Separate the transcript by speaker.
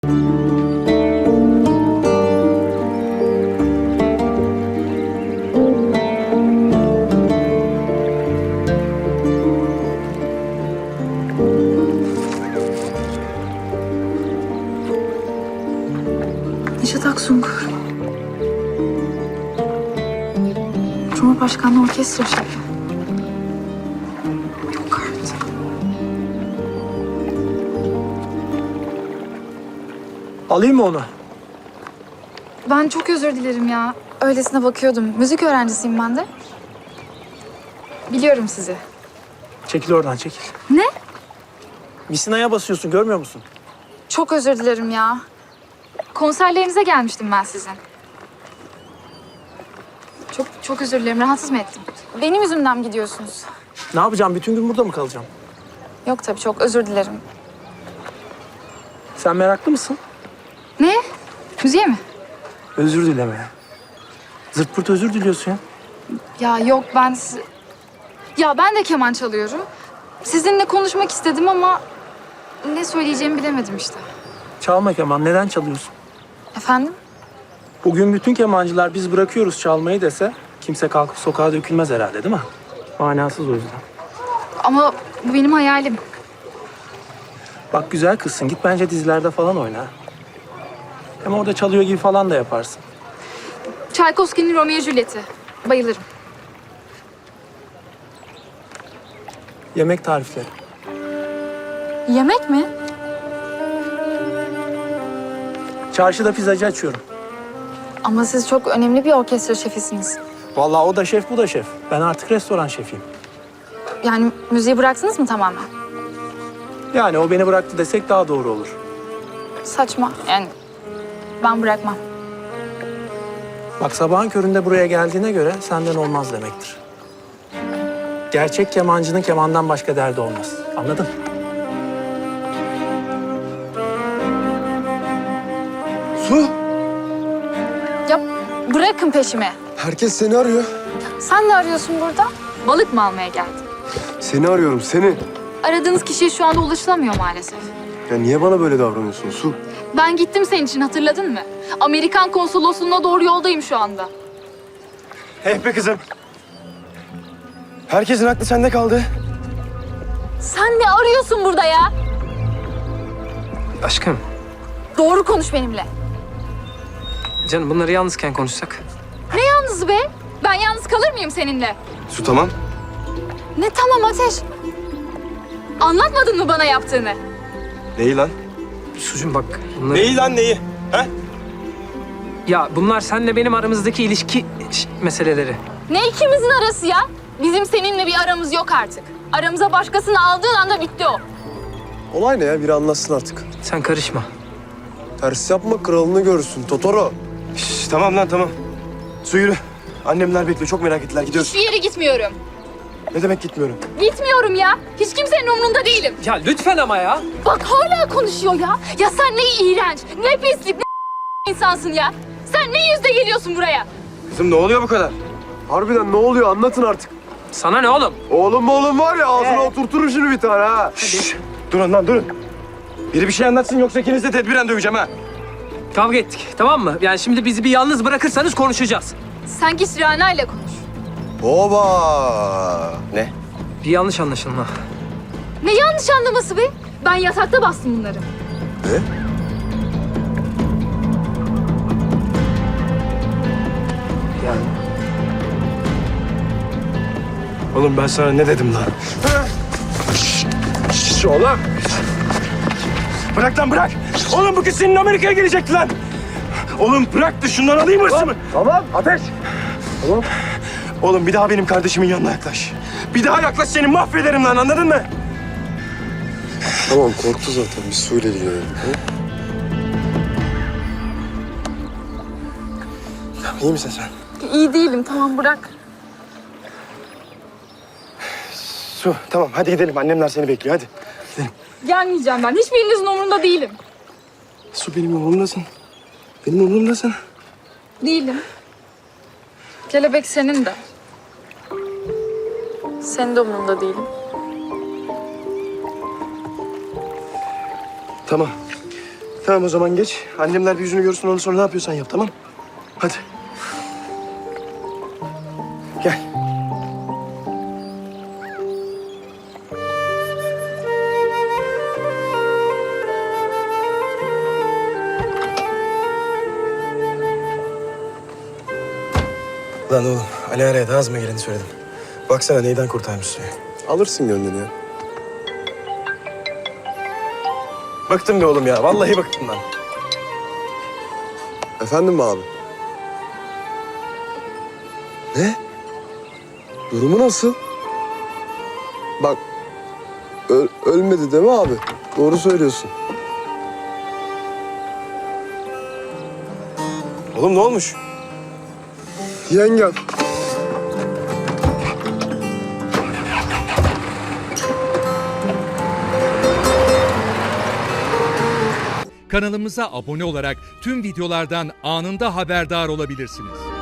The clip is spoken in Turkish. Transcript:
Speaker 1: Neşet Aksungur. Cumhurbaşkanlığı orkestra şefi. Yok artık.
Speaker 2: Alayım mı onu?
Speaker 1: Ben çok özür dilerim ya. Öylesine bakıyordum. Müzik öğrencisiyim ben de. Biliyorum sizi.
Speaker 2: Çekil oradan, çekil.
Speaker 1: Ne?
Speaker 2: Misina'ya basıyorsun, görmüyor musun?
Speaker 1: Çok özür dilerim ya. Konserlerinize gelmiştim ben sizin. Çok özür dilerim. Rahatsız mı ettim? Benim yüzümden mi gidiyorsunuz?
Speaker 2: Ne yapacağım? Bütün gün burada mı kalacağım?
Speaker 1: Yok tabii, çok özür dilerim.
Speaker 2: Sen meraklı mısın?
Speaker 1: Ne? Müziğe mi?
Speaker 2: Özür dileme. Zırt pırt özür diliyorsun ya.
Speaker 1: Ya yok, Ya ben de keman çalıyorum. Sizinle konuşmak istedim ama ne söyleyeceğimi bilemedim işte.
Speaker 2: Çalma keman, neden çalıyorsun?
Speaker 1: Efendim?
Speaker 2: Bugün bütün kemancılar biz bırakıyoruz çalmayı dese kimse kalkıp sokağa dökülmez herhalde, değil mi? Manasız o yüzden.
Speaker 1: Ama bu benim hayalim.
Speaker 2: Bak güzel kızsın, git bence dizilerde falan oyna. Hem orada çalıyor gibi falan da yaparsın.
Speaker 1: Tchaikovsky'nin Romeo Juliet'i. Bayılırım.
Speaker 2: Yemek tarifleri.
Speaker 1: Yemek mi?
Speaker 2: Çarşıda pizzacı açıyorum.
Speaker 1: Ama siz çok önemli bir orkestra şefisiniz.
Speaker 2: Vallahi o da şef, bu da şef. Ben artık restoran şefiyim.
Speaker 1: Yani müziği bıraktınız mı tamamen?
Speaker 2: Yani o beni bıraktı desek daha doğru olur.
Speaker 1: Saçma. Yani ben bırakmam.
Speaker 2: Bak sabahın köründe buraya geldiğine göre senden olmaz demektir. Gerçek kemancının kemandan başka derdi olmaz. Anladın?
Speaker 3: Su,
Speaker 1: Ya bırakın peşimi.
Speaker 3: herkes seni arıyor.
Speaker 1: Sen ne arıyorsun burada? Balık mı almaya geldin?
Speaker 3: Seni arıyorum, seni.
Speaker 1: Aradığınız kişiye şu anda ulaşılamıyor maalesef.
Speaker 3: Ya niye bana böyle davranıyorsun Su?
Speaker 1: Ben gittim senin için, hatırladın mı? Amerikan konsolosluğuna doğru yoldayım şu anda.
Speaker 3: Hey be kızım. Herkesin aklı sende kaldı.
Speaker 1: Sen ne arıyorsun burada ya?
Speaker 4: Aşkım,
Speaker 1: Doğru konuş benimle.
Speaker 4: canım bunları yalnızken konuşsak.
Speaker 1: Ne yalnız be? Ben yalnız kalır mıyım seninle?
Speaker 3: Su tamam.
Speaker 1: Ne tamam Ateş? Anlatmadın mı bana yaptığını?
Speaker 3: Neyi lan?
Speaker 4: Sucum bak bunları...
Speaker 3: Neyi lan neyi? He?
Speaker 4: Ya bunlar seninle benim aramızdaki ilişki meseleleri.
Speaker 1: Ne ikimizin arası ya? Bizim seninle bir aramız yok artık. Aramıza başkasını aldığın anda bitti o.
Speaker 3: Olay ne ya? Biri anlatsın artık.
Speaker 4: Sen karışma.
Speaker 3: Ters yapma, kralını görürsün Totoro. Şş, tamam lan tamam. Su yürü. Annemler bekliyor, çok merak ettiler. Gidiyoruz.
Speaker 1: Hiçbir yere gitmiyorum.
Speaker 3: Ne demek gitmiyorum?
Speaker 1: Gitmiyorum ya. Hiç kimsenin umrunda değilim.
Speaker 4: Ya lütfen ama ya.
Speaker 1: Bak hala konuşuyor ya. Ya sen ne iğrenç, ne pislik, ne insansın ya. Sen ne yüzle geliyorsun buraya?
Speaker 3: Kızım ne oluyor bu kadar? Harbiden ne oluyor? Anlatın artık.
Speaker 4: Sana ne oğlum?
Speaker 3: Oğlum var ya, ağzına oturturum şimdi bir tane ha. Şşş. Durun lan durun. Biri bir şey anlatsın yoksa ikinizi de tedbiren döveceğim ha.
Speaker 4: Kavga ettik, tamam mı? Yani şimdi bizi bir yalnız bırakırsanız konuşacağız.
Speaker 1: Sen git Rana ile konuş.
Speaker 3: Oba! Ne?
Speaker 4: Bir yanlış anlaşılma.
Speaker 1: Ne yanlış anlaması be? Ben yatakta bastım bunları.
Speaker 3: Ne?
Speaker 4: Yani
Speaker 3: Oğlum ben sana ne dedim lan? Şşş oğlum! Bırak lan bırak! Oğlum bu kız senin Amerika'ya gelecekti lan! Oğlum bırak da şundan alayım hırsımı! Tamam, ateş! Tamam. Oğlum bir daha benim kardeşimin yanına yaklaş. Bir daha yaklaş seni mahvederim lan, anladın mı?
Speaker 5: Tamam, korktu zaten. Biz suyla ilgilenelim.
Speaker 3: İyi misin sen?
Speaker 1: İyi değilim, tamam bırak.
Speaker 3: Su, tamam hadi gidelim. Annemler seni bekliyor, hadi.
Speaker 1: Gelmeyeceğim ben. Hiçbirinizin umurunda değilim.
Speaker 3: Su benim umurumdasın. Benim umurumdasın.
Speaker 1: Değilim. Kelebek senin de. Senin de umurunda değilim.
Speaker 3: Tamam. Tamam o zaman geç. Annemler bir yüzünü görsün, ondan sonra ne yapıyorsan yap, tamam? Hadi. Gel. Lan oğlum, Ali araya ağzıma geleni söyledim. Baksana neyden kurtarmış suyu.
Speaker 5: Alırsın gönlünü ya.
Speaker 3: Bıktım be oğlum ya, vallahi bıktım lan.
Speaker 5: Efendim abi? Ne? Durumu nasıl? Bak, ölmedi değil mi abi? Doğru söylüyorsun.
Speaker 3: Oğlum ne olmuş?
Speaker 5: Yengem.
Speaker 6: Kanalımıza abone olarak tüm videolardan anında haberdar olabilirsiniz.